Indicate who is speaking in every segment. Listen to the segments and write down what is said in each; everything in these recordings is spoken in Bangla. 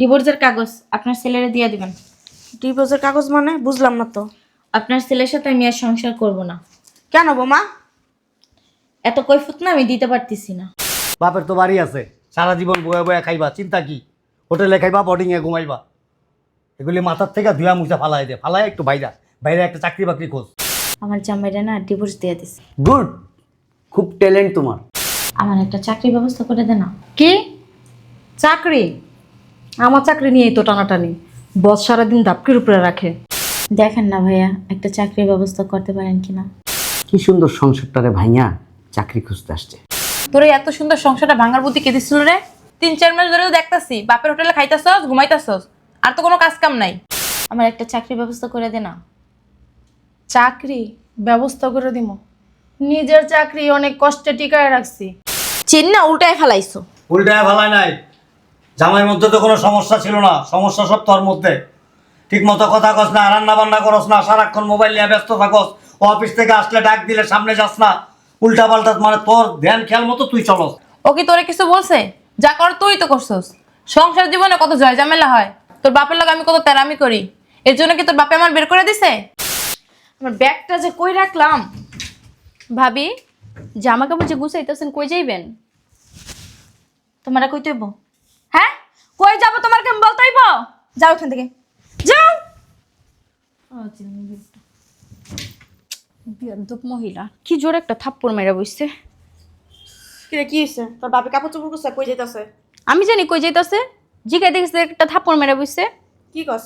Speaker 1: ডিভোর্সের কাগজ আপনার ছেলেরে দিয়ে দিবেন।
Speaker 2: ডিভোর্সের কাগজ মানে বুঝলাম না তো।
Speaker 1: আপনার ছেলের সাথে আমি আর সংসার করব না।
Speaker 2: কেন বোমা?
Speaker 1: এত কৈফুত না আমি দিতে পারতেছি না।
Speaker 3: বাপের তো বাড়ি আছে, সারা জীবন বয়া বয়া খাইবা, চিন্তা কি? হোটেলে খাইবা, বোর্ডিংয়ে ঘুমাইবা। এগুলি মাথার থেকে ধুয়া মুছা ফালাই দে, ফালাই একটু বাইরা বাইরে একটা চাকরি বাকরি খোঁজ।
Speaker 1: আমার জামাইরা না ডিভোর্স দিয়ে দিছে।
Speaker 3: গুড, খুব ট্যালেন্ট তোমার।
Speaker 1: আমার একটা চাকরির ব্যবস্থা করে দে না।
Speaker 4: কি চাকরি? আমার চাকরি নিয়েই তো টানাটানি। বস সারাদিন দাপকির উপরে রাখে।
Speaker 1: দেখেন না ভাইয়া, একটা চাকরির ব্যবস্থা করতে পারেন কিনা।
Speaker 3: কি সুন্দর সংসারটারে ভাইয়া চাকরি খুঁজতে আসছে।
Speaker 5: তোর এই এত সুন্দর সংসারটা ভাঙার বুদ্ধি কে দিছিল রে? 3-4 মাস ধরে তো দেখতাছি বাপের হোটেলে খাইতাছস, ঘুমাইতাছস, আর তো কোনো কাজ কাম নাই।
Speaker 1: আমার একটা চাকরির ব্যবস্থা করে দে না।
Speaker 4: চাকরি ব্যবস্থা করে দিব? নিজের চাকরি অনেক কষ্টে টিকায় রাখছি।
Speaker 5: চেন না উল্টায় ফেলাইছো।
Speaker 3: উল্টায় ভালাই নাই। জামাইয়ের মধ্যে তো কোনো সমস্যা ছিল না, সমস্যা সব তোর মধ্যে। ঠিক মতো কথা কস না, রান্না বান্না করস না, সারাক্ষণ মোবাইল নিয়ে ব্যস্ত থাকস। ও অফিস থেকে আসলে ডাক দিলে সামনে যাস না, উল্টা পাল্টা, মানে তোর ধ্যান খেয়াল মতো তুই চলস।
Speaker 5: ও কি তোরে কিছু বলছে? যা কর তুই তো করছস। সংসার জীবনে কত জয় ঝামেলা হয়, তোর বাপের লগে আমি কত তেরামি করি, এর জন্য কি তোর বাপে আমার বের করে দিছে?
Speaker 2: আমার ব্যাগটা যে কই রাখলাম।
Speaker 6: ভাবি, জামা কাপড় যে গুছাইতেছেন কই যাইবেন?
Speaker 1: তোমারা কই তৈব?
Speaker 2: হ্যাঁ, কই যাব তোমার কেমন বলতেইব? যাও এখান থেকে, যাও।
Speaker 6: বিয়াদব মহিলা, কি জোরে একটা থাপ্পড় মেরা বসছে।
Speaker 2: কিরে কি হইছে? তোর বাপে কাপড় চোপড় করছে, কই যাইতাছে?
Speaker 6: আমি জানি কই যাইতাছে, জিগাই দেখছে একটা থাপ্পড় মেরা বসছে।
Speaker 2: কি কস?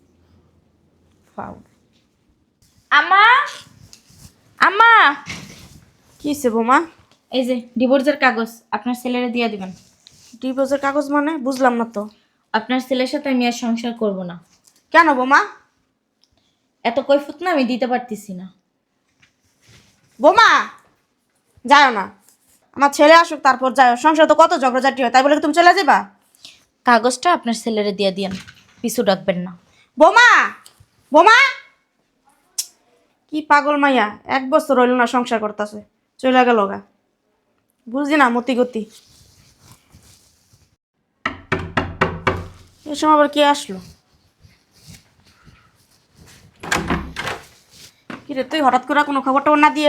Speaker 1: আম্মা, আম্মা,
Speaker 2: কি হইছে বোমা?
Speaker 1: এই যে ডিভোর্সের কাগজ আপনার ছেলেরে দিয়ে দিবেন।
Speaker 2: ডিভোর্সের কাগজ মানে বুঝলাম না তো।
Speaker 1: আপনার ছেলের সাথে আমি আর সংসার করব না।
Speaker 2: কেন বোমা?
Speaker 1: এত কৈফুত না আমি দিতে পারতেছি না।
Speaker 2: বোমা যাও না, আমার ছেলে আসুক তারপর যাও। সংসার তো কত ঝগড়াঝাটি হয়, তাই বলে কি তুমি চলে যাবা?
Speaker 1: কাগজটা আপনার ছেলেরে দিয়ে দিয়েন, পিছু ডাকবেন না।
Speaker 2: বোমা, বোমা, কি পাগল মাইয়া, 1 বছর হইল না সংসার করতেছে, চলে গেল গা। বুঝি না মতি গতি। এই সময় আবার কে আসলো? কিরে তুই হঠাৎ করে কোনো খবর টবর না দিয়ে?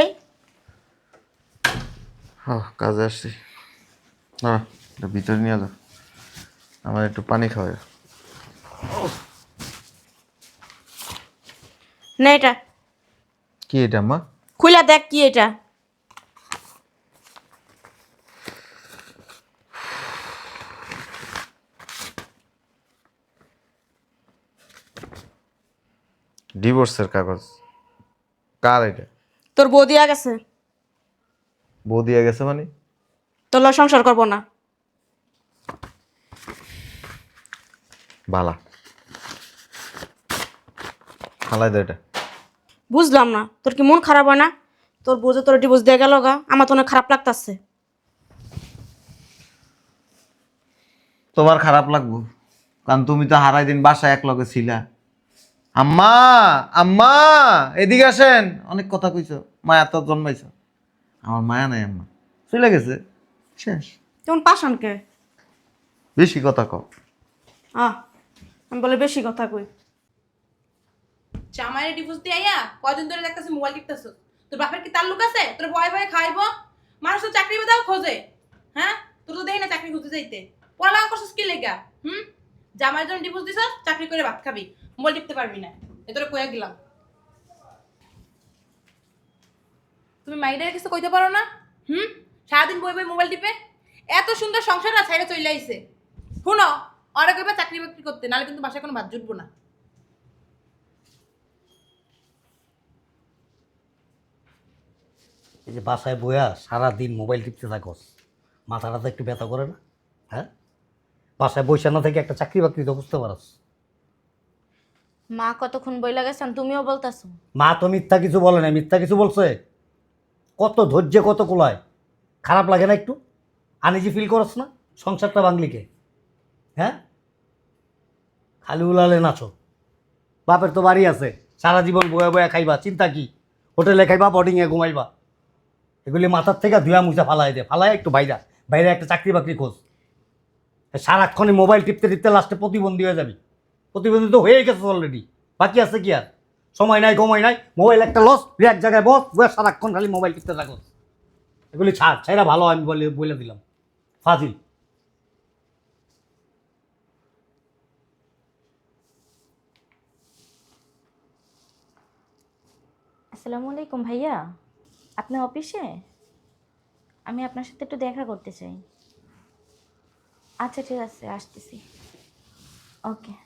Speaker 7: হ্যাঁ, কাজে আসছি। না, এটা ভিতরে নিয়ে যাও, আমার একটু পানি খাওয়াই।
Speaker 2: না এটা
Speaker 7: কি এটা মা?
Speaker 2: খুইলা দেখ কি এটা।
Speaker 7: ডিভোর্সের কাগজ? কার এটা?
Speaker 2: তোর বউ দিয়া গেছে,
Speaker 7: বউ দিয়ে গেছে মানে?
Speaker 2: তোর লগে সংসার করবো না।
Speaker 7: বালা হালাই দে এটা।
Speaker 2: বুঝলাম না, তোর কি মন খারাপ হয় না? তোর বউ যে তোর ডিভোর্স দিয়ে গেল গা, আমার তো অনেক খারাপ লাগতাছে।
Speaker 7: তোমার খারাপ লাগবো, কারণ তুমি তো হারাই দিন বাসায় এক লগে ছিলা। আম্মা, আম্মা এদিকে আসেন, অনেক কথা কইছো, মায়া তো জন্মাইছো। আমার মায়া নাই, আম্মা চলে গেছে, শেষ।
Speaker 2: তেমন পাশানকে
Speaker 7: বেশি কথা কও।
Speaker 2: আমি বলে বেশি কথা কই।
Speaker 5: জামাইরে ডিভোর্স দিয়ে আইয়া কয়দিন ধরে দেখতাছি মোবাইল টিপতাছস। তোর বাপের কি তাল্লুক আছে? তোর ভয় ভয় খাইবো? মানুষ তো চাকরি বাদাও খোঁজে। হ্যাঁ, তোর তো দেই না চাকরি খুঁজতে যাইতে। পড়ালেখা করছস কি লেগা? জামাইয়ের জন্য ডিভোর্স দিছস, চাকরি করে ভাত খাবি, মোবাইল টিপতে পারবি না। এ তোরে কইয়া গেলাম। তুমি মাইডারে কিছু কইতে পারো না? সারাদিন বই বই মোবাইল টিপে এত সুন্দর সংসার না ছাইড়া চলে আইছে। শুনো, ওরা কইবা চাকরি বাকরি করতে, নাহলে কিন্তু বাসায় কোনো ভাত জুটবো না।
Speaker 3: এই যে বাসায় বইয়া সারাদিন মোবাইল টিপতে থাকস, মাথাটা তো একটু ব্যথা করে না? হ্যাঁ, বাসায় বইসা না থেকে একটা চাকরি বাকরি তো বুঝতে পারস।
Speaker 1: মা কতক্ষণ বইলা গেছেন, তুমিও বলতাছো।
Speaker 3: মা তো মিথ্যা কিছু বলে না, মিথ্যা কিছু বলছে? কত ধৈর্য, কত কুলায়। খারাপ লাগে না একটু? আনিজি ফিল করস না? সংসারটা বাংলিকে, হ্যাঁ, খালি উলালে নাচো। বাপের তো বাড়ি আছে, সারা জীবন বয়া বয়া খাইবা, চিন্তা কি? হোটেলে খাইবা, বোর্ডিংয়ে ঘুমাইবা। এগুলি মাথার থেকে ধুয়া মুছা ফালাই দে, ফালাই একটু বাইরা বাইরে একটা চাকরি বাকরি খোঁজ। সারাক্ষণই মোবাইল টিপতে টিপতে লাস্টে প্রতিবন্ধী হয়ে যাবি। প্রতিবন্ধী তো হয়ে গেছে অলরেডি, বাকি আছে কি আর? সময় নাই, সময় নাই, মোবাইল একটা লস, এক জায়গায় বস, সারাক্ষণ খালি মোবাইল টিপতে থাকো। এগুলি ছাড়, ছাইরা ভালো, আমি বলে দিলাম ফাজিল।
Speaker 1: আসসালামু আলাইকুম ভাইয়া, আপনি অফিসে? আমি আপনার সাথে একটু দেখা করতে চাই। আচ্ছা ঠিক আছে, আসতেছি। ওকে।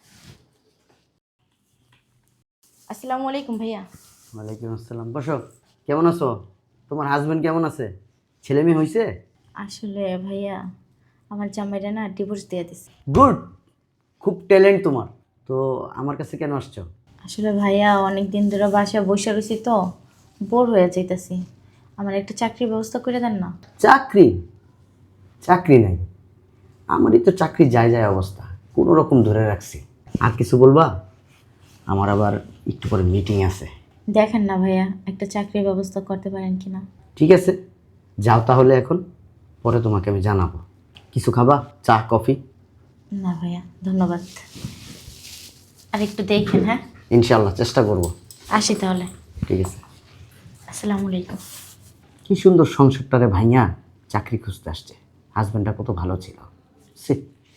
Speaker 1: আসসালামু আলাইকুম ভাইয়া।
Speaker 8: ওয়ালাইকুম আসসালাম। বসো। কেমন আছো? তোমার হাজবেন্ড কেমন আছে? ছেলে মেয়ে হয়েছে?
Speaker 1: আসলে ভাইয়া, আমার জামাইরা না ডিভোর্স দিয়ে দিছে।
Speaker 8: গুড, খুব ট্যালেন্ট তোমার। তো আমার কাছে কেন আসছো?
Speaker 1: আসলে ভাইয়া, অনেক দিন ধরে বাসায় বসে রয়েছি তো, বোর হয়ে যাইতেছি। আমার একটা চাকরির ব্যবস্থা করে দেন না।
Speaker 8: চাকরি? চাকরি নাই। আমারই তো চাকরি যায় যায় অবস্থা, কোনো রকম ধরে রাখছি। আর কিছু বলবা? আমার আবার একটু পরে মিটিং আছে।
Speaker 1: দেখেন না ভাইয়া, একটা চাকরির ব্যবস্থা করতে পারেন কিনা।
Speaker 8: ঠিক আছে, যাও তাহলে এখন, পরে তোমাকে আমি জানাবো। কিছু খাবা? চা কফি?
Speaker 1: না ভাইয়া, ধন্যবাদ। আর একটু দেখেন, হ্যাঁ?
Speaker 8: ইনশাল্লাহ চেষ্টা করব।
Speaker 1: আসি তাহলে।
Speaker 8: ঠিক আছে।
Speaker 1: আসসালামু আলাইকুম।
Speaker 8: কি সুন্দর সংসারটারে ভাইয়া চাকরি খুঁজতে আসছে। হাজব্যান্ডটা কত ভালো ছিল। সে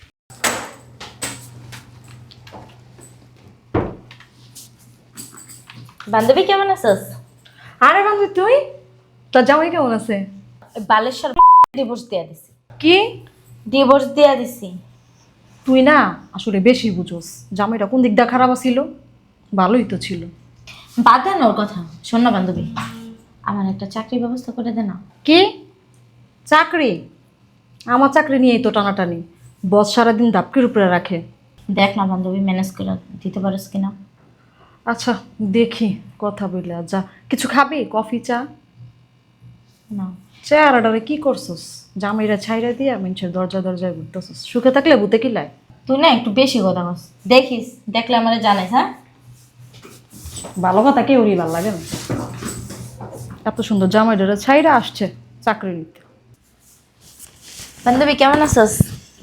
Speaker 1: বান্ধবী কেমন আছিস?
Speaker 4: আরে বান্ধবী তুই, তোর জামাই কেমন আছে?
Speaker 1: বালেশ্বর ডিভোর্স দিয়ে দিছি।
Speaker 4: কি?
Speaker 1: ডিভোর্স দিয়ে দিছি।
Speaker 4: তুই না আসলে বেশি বুঝোস। জামাইটা কোন দিকটা খারাপ ছিল? ভালোই তো ছিল।
Speaker 1: বাদ দেন ওর কথা। শোন না বান্ধবী, আমার একটা চাকরির ব্যবস্থা করে দে না।
Speaker 4: কি চাকরি? আমার চাকরি নিয়েই তো টানাটানি। বস সারাদিন দাপকির উপরে রাখে।
Speaker 1: দেখ না বান্ধবী, ম্যানেজ করে দিতে পারিস কিনা।
Speaker 4: আচ্ছা দেখি, কথা বলে যা। কিছু খাবি? কফি চা?
Speaker 1: না।
Speaker 4: চেহারাটারে কি করছস? জামাইরা ছাইরা দিয়া মানুষের দরজা দরজায় ঘুরতেছস। সুখে থাকলে ভূতে কিলায়।
Speaker 1: তুই না একটু বেশি কথা বলস। দেখিস, দেখলে আমার জানাইস, হ্যাঁ?
Speaker 4: ভালো কথা কেউরই ভালো লাগে না। এত সুন্দর জামাইটারে ছাইরা আসছে চাকরি নিতে।
Speaker 1: বান্ধবী কেমন আছিস?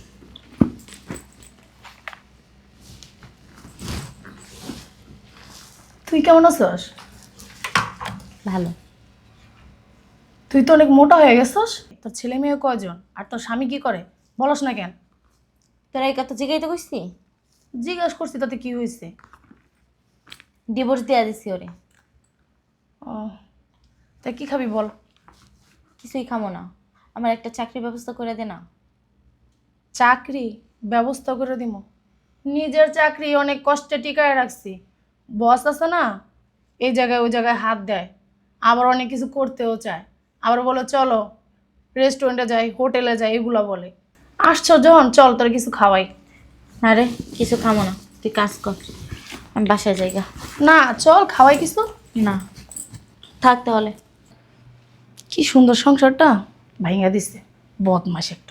Speaker 5: তুই কেমন আছিস?
Speaker 1: ভালো।
Speaker 5: তুই তো অনেক মোটা হয়ে গেছিস। তোর ছেলে মেয়ে কয়জন? আর তোর স্বামী কি করে বলস না কেন?
Speaker 1: তোরা এই কথা জিগাইতে কইছি?
Speaker 5: জিজ্ঞাসা করছি তাতে কি হয়েছে?
Speaker 1: ডিভোর্স দিয়ে দিছি ওরে।
Speaker 5: ও, তা কি খাবি বল?
Speaker 1: কিছুই খামো না, আমার একটা চাকরির ব্যবস্থা করে দে না।
Speaker 5: চাকরি ব্যবস্থা করে দিব? নিজের চাকরি অনেক কষ্টে টিকায় রাখছি। বস আছে না, এই জায়গায় ওই জায়গায় হাত দেয়, আবার অনেক কিছু করতেও চায়, আবার বলে চলো রেস্টুরেন্টে যাই, হোটেলে যাই, এগুলো বলে। আসছো যখন, চল তোর কিছু খাওয়াই।
Speaker 1: না রে, কিছু খামো না, তুই কাজ কর, আমি বাসায় যাইগা।
Speaker 5: না চল খাওয়াই কিছু।
Speaker 1: না, থাক তাহলে।
Speaker 5: কি সুন্দর সংসারটা ভাঙা দিছে, বদমাস একটা।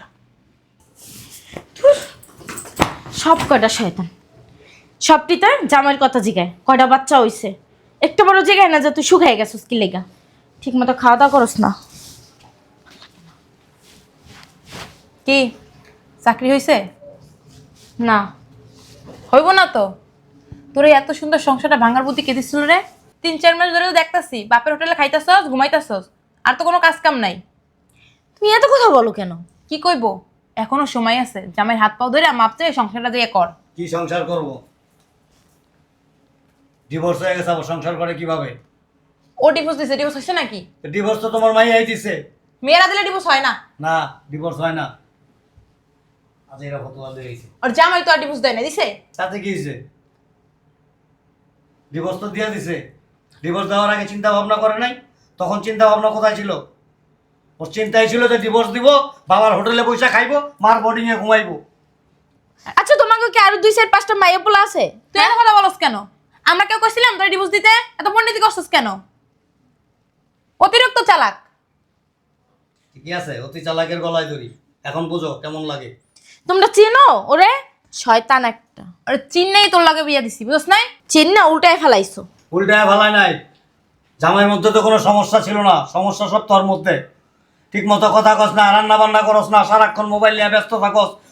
Speaker 1: সব কয়টা শয়তান, সবটিতে জামাইয়ের কথা জিগায়। কয়টা বাচ্চা হইছে, একটা বড় জিগায় না যে তুই শুকাই গেছিস কি লেগা। ঠিক মতো খাওয়া দাওয়া করস না।
Speaker 5: কি চাকরি হয়েছে?
Speaker 1: না।
Speaker 5: হইব না তো। তোর এই এত সুন্দর সংসারটা ভাঙার বুদ্ধি কে দিছিল রে? 3-4 মাস ধরে তো দেখতাছি বাপের হোটেলে খাইতাছস, ঘুমাইতাছস, আর তো কোনো কাজ কাম নাই।
Speaker 1: তুমি এত কথা বলো কেন?
Speaker 5: কি কইব? এখনো সময় আছে, জামাইয়ের হাত পাও ধরে মাপ চেয়ে সংসারটা দিয়ে কর।
Speaker 3: কি সংসার করব? ডিভোর্স হয়ে গেছে, আবার সংসার করে কিভাবে?
Speaker 5: ও ডিভোর্স দিছে, ডিভোর্স হয়েছে নাকি?
Speaker 3: ডিভোর্স তো তোমার মাইয়াই দিছে।
Speaker 5: মেয়েরা দিলে ডিভোর্স হয় না।
Speaker 3: না, ডিভোর্স হয় না। আজ এরা ফতোয়া দিয়ে গেছে।
Speaker 5: আর জামাই তো আর ডিভোর্স দেয় না, দিছে?
Speaker 3: তাতে কি হয়েছে? ডিভোর্স তো দিয়ে দিছে। ডিভোর্স দেওয়ার আগে চিন্তা ভাবনা করে নাই? তখন চিন্তা ভাবনা কোথায় ছিল? ওর চিন্তাই ছিল যে ডিভোর্স দিব, বাবার হোটেলে পয়সা খাইবো, মার বোর্ডিংয়ে ঘুমাইবো।
Speaker 1: আচ্ছা, তোমাকে কি আরো 2-4-5টা মাইয়া পোলা আছে?
Speaker 5: তুই এত কথা বলস কেন? আমরা কেউ কইছিলাম তোর ডিভোর্স দিতে? এত পণ্ডিতি করছস কেন? অতিরিক্ত চালাক।
Speaker 3: ঠিকই আছে, অতি চালাকের গলায় ধরি। এখন বুঝো কেমন লাগে।
Speaker 1: তোমরা চিনো ওরে? শয়তান একটা।
Speaker 5: আর চিন্নাই তোর লাগে বিয়া দিছি, বুঝছ নাই?
Speaker 1: চিন না, উল্টায় ফেলাইছো।
Speaker 3: উল্টায় ভালাই নাই। জামাইয়ের মধ্যে তো কোনো সমস্যা ছিল না, সমস্যা সব তোর মধ্যে। ঠিক মতো কথা কস না, রান্না বান্না করস না, সারাক্ষণ মোবাইল নিয়ে ব্যস্ত থাকস,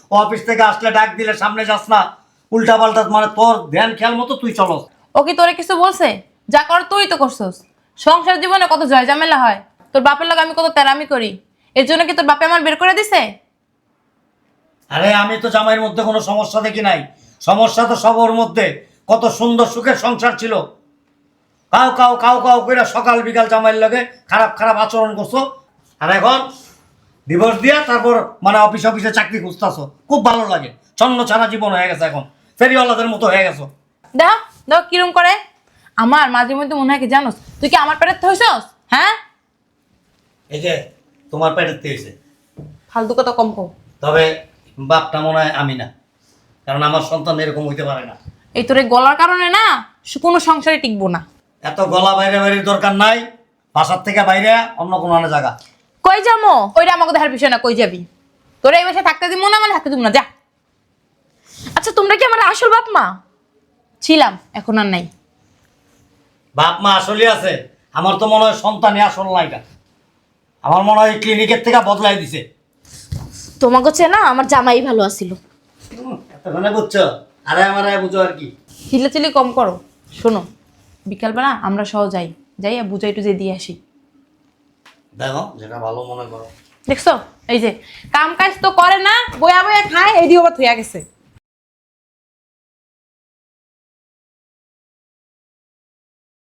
Speaker 3: অফিস থেকে আসলে ডাক দিলে সামনে যাস না, উল্টা পাল্টা, মানে তোর ধ্যান খেয়াল মতো তুই চলস।
Speaker 5: ও কি তোরে কিছু বলছে? যা কর তুই তো করছস। সংসার জীবনে কত জয় ঝামেলা হয়, তোর বাপের লগে আমি কত তেরামি করি, এর জন্য কি তোর বাপে আমার বের করে দিছে?
Speaker 3: আরে আমি তো জামাইয়ের মধ্যে কোনো সমস্যা দেখি নাই, সমস্যা তো সবার মধ্যে। কত সুন্দর সুখের সংসার ছিল, কাউ কাউ কাউ কাউ করে সকাল বিকাল জামাইয়ের লগে খারাপ খারাপ আচরণ করছো, আর এখন ডিভোর্স দিয়া তারপর মানে অফিসে চাকরি খুঁজতেছো। খুব ভালো লাগে, ছন্ন ছাড়া জীবন হয়ে গেছে, এখন ফেরিওয়ালাদের মতো হয়ে গেছো।
Speaker 5: দেখো দেখো কিরম করে। আমার মাঝে মধ্যে মনে হয় কি জানোস, তুই কি আমার পেটের হইছস? হ্যাঁ,
Speaker 3: এই যে তোমার পেটের হয়েছে,
Speaker 5: ফালতু কথা কম কও।
Speaker 3: তবে বাপটা মনে হয় আমি না, কারণ আমার সন্তান এরকম হইতে পারে না।
Speaker 5: এই তোর এই গলার কারণে না কোনো সংসারে টিকবো না।
Speaker 3: এত গলা বাইরে বাইরের দরকার নাই, বাসার থেকে বাইরে অন্য কোনো জায়গা।
Speaker 5: কই যাবো? ওইটা আমাকে দেখার বিষয় না, কই যাবি? তোরা এই বাসায় থাকতে দিব না, মানে থাকতে দিব না, যা।
Speaker 1: আচ্ছা তোমরা কি আমার আসল বাপ মা?
Speaker 5: ছিলাম, এখন আর নাই।
Speaker 3: বাপ মা আসলে আছে, আমার তো মনে হয় সন্তানই আসল নায়িকা। আমার মনে হয় ক্লিনিকের থেকে বদলাই দিছে।
Speaker 1: তোমাকে চেনা আমার জামাই ভালো আছিল।
Speaker 3: এতক্ষণে বুঝছো, আরে আমার বুঝো আর কি।
Speaker 5: চিল্লাচিল্লি কম করো। শোনো, বিকালবেলা আমরা সহ যাই, যাই আর বুঝাই টুজাই দিয়ে আসি।
Speaker 3: দেখো যেটা ভালো মনে করো।
Speaker 5: দেখছো, এই যে কাম কাজ তো করে না, বয়া বয়া খায়, এই দিয়ে আবার থইয়া গেছে।